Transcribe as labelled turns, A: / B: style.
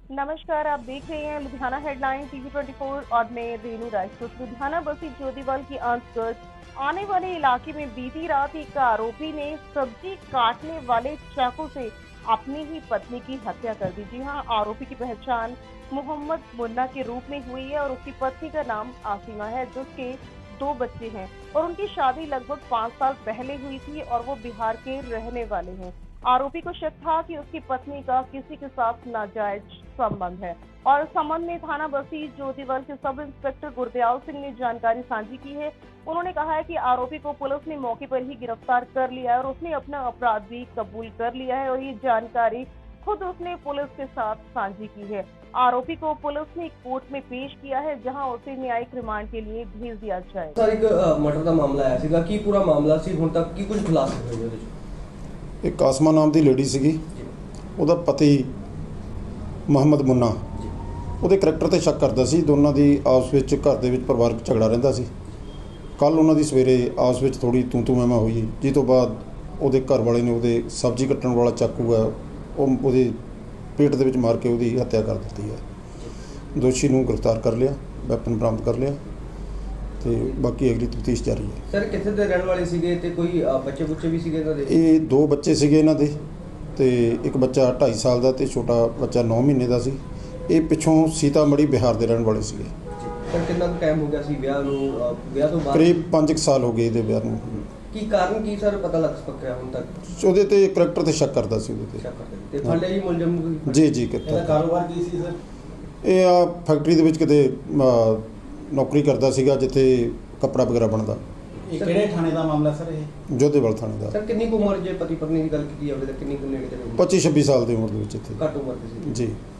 A: नमस्कार, आप देख रहे हैं लुधियाना हेडलाइन टीवी 24 और मैं रेनू राजपूत। लुधियाना बसी ज्योतिवाल के अंतर्गत आने वाले इलाके में बीती रात एक आरोपी ने सब्जी काटने वाले चाकू से अपनी ही पत्नी की हत्या कर दी। जी हां, आरोपी की पहचान मोहम्मद मुन्ना के रूप में हुई है और उसकी पत्नी का नाम आसिमा है, जिसके 2 बच्चे हैं और उनकी शादी लगभग 5 साल पहले हुई थी और वो बिहार के रहने वाले हैं। आरोपी को शक था कि उसकी पत्नी का किसी के साथ नाजायज संबंध है और इस संबंध में थाना बसी ज्योतिवाल के सब इंस्पेक्टर गुरदयाल सिंह ने जानकारी साझी की है। उन्होंने कहा है कि आरोपी को पुलिस ने मौके पर ही गिरफ्तार कर लिया है और उसने अपना अपराध भी कबूल कर लिया है और ये जानकारी खुद उसने पुलिस के साथ साझी की है। आरोपी को पुलिस ने कोर्ट में पेश किया है, जहां उसे न्यायिक रिमांड के लिए भेज दिया जाए।
B: सर, एक मर्डर का मामला आया ਸੀਗਾ ਕੀ ਪੂਰਾ ਮਾਮਲਾ ਸੀ ਹੁਣ ਤੱਕ ਕੀ ਕੁਝ ਖੁਲਾਸੇ ਹੋਏ ਉਹਦੇ ਚ?
C: एक आसमा नाम की लेडी ਸੀਗੀ, ਉਹਦਾ ਪਤੀ ਮੁਹੰਮਦ ਮੁੰਨਾ ਉਹਦੇ ਕਰੈਕਟਰ ਤੇ ਸ਼ੱਕ ਕਰਦਾ ਸੀ। ਦੋਨਾਂ ਦੀ ਆਪਸ ਵਿੱਚ ਘਰ ਦੇ ਵਿੱਚ ਪਰਿਵਾਰਕ ਝਗੜਾ ਰਹਿੰਦਾ ਸੀ। ਕੱਲ ਉਹਨਾਂ ਦੀ ਸਵੇਰੇ ਆਪਸ ਵਿੱਚ ਥੋੜੀ ਤੂੰ ਮੈਂ ਹੋਈ, ਜਿਸ ਤੋਂ ਬਾਅਦ ਉਹਦੇ ਘਰ ਵਾਲੇ ਨੇ ਉਹਦੇ ਸਬਜ਼ੀ ਕੱਟਣ ਵਾਲਾ ਚਾਕੂ ਹੈ ਉਹ ਉਹਦੇ ਪੇਟ ਦੇ ਵਿੱਚ ਮਾਰ ਕੇ ਉਹਦੀ ਹੱਤਿਆ ਕਰ ਦਿੱਤੀ ਹੈ। ਦੋਸ਼ੀ ਨੂੰ ਗ੍ਰਿਫਤਾਰ ਕਰ ਲਿਆ, ਵੈਪਨ ਬਰਾਮਦ ਕਰ ਲਿਆ ਤੇ ਬਾਕੀ ਅਗਲੀ ਤਫਤੀਸ਼ ਜਾਰੀ ਹੈ।
B: ਸਰ, ਕਿੱਥੇ ਦੇ ਰਹਿਣ ਵਾਲੇ ਸੀਗੇ ਤੇ ਕੋਈ ਬੱਚੇ ਵੀ ਸੀਗੇ ਇਹਨਾਂ ਦੇ?
C: ਇਹ 2 ਬੱਚੇ ਸੀਗੇ ਇਹਨਾਂ ਦੇ ਤੇ ਇੱਕ ਬੱਚਾ 2.5 ਸਾਲ ਦਾ ਤੇ ਛੋਟਾ ਬੱਚਾ 9 ਮਹੀਨੇ ਦਾ ਸੀ। ਇਹ ਪਿੱਛੋਂ ਸੀਤਾਮੜੀ ਬਿਹਾਰ ਦੇ ਰਹਿਣ ਵਾਲੇ ਸੀਗੇ।
B: ਸਰ, ਕਿੰਨਾ ਕੁ ਟਾਈਮ ਹੋ ਗਿਆ ਸੀ ਵਿਆਹ ਨੂੰ? ਵਿਆਹ ਤੋਂ ਬਾਅਦ
C: ਕਰੀਬ 5 ਸਾਲ ਹੋ ਗਏ ਇਹਦੇ ਵਿਆਹ ਨੂੰ।
B: ਕੀ ਕਾਰਨ ਕੀ ਸਰ ਪਤਾ ਲੱਗ ਸਕਿਆ ਹੁਣ ਤੱਕ?
C: ਉਹਦੇ ਤੇ ਕਰੈਕਟਰ ਤੇ ਸ਼ੱਕ ਕਰਦਾ ਸੀ ਉਹਦੇ
B: ਤੇ ਫੜ ਲਿਆ ਜੀ ਮੁਲਜ਼ਮ ਨੂੰ?
C: ਜੀ ਕਿੱਥੇ
B: ਇਹਦਾ ਕਾਰੋਬਾਰ ਕੀ ਸੀ ਸਰ?
C: ਇਹ ਆ ਫੈਕਟਰੀ ਦੇ ਵਿੱਚ ਕਿਤੇ ਨੌਕਰੀ ਕਰਦਾ ਸੀਗਾ, ਜਿੱਥੇ ਕੱਪੜਾ ਵਗੈਰਾ ਬਣਦਾ।
D: ਇਹ ਕਿਹੜੇ ਥਾਣੇ ਦਾ ਮਾਮਲਾ ਸਰ? ਇਹ
C: ਜੋਧੇਵਾਲ ਥਾਣੇ ਦਾ।
B: ਸਰ, ਕਿੰਨੀ ਕੁ ਉਮਰ ਜੇ ਪਤੀ ਪਤਨੀ ਦੀ ਗੱਲ ਕੀਤੀ ਜਾਵੇ ਤਾਂ ਕਿੰਨੀ ਕੁ ਨੇੜੇ ਦੇ?
C: 25-26 ਸਾਲ ਦੀ ਉਮਰ ਦੇ ਵਿੱਚ ਇੱਥੇ
B: ਘੱਟ ਉਮਰ ਦੇ ਸੀ
C: ਜੀ।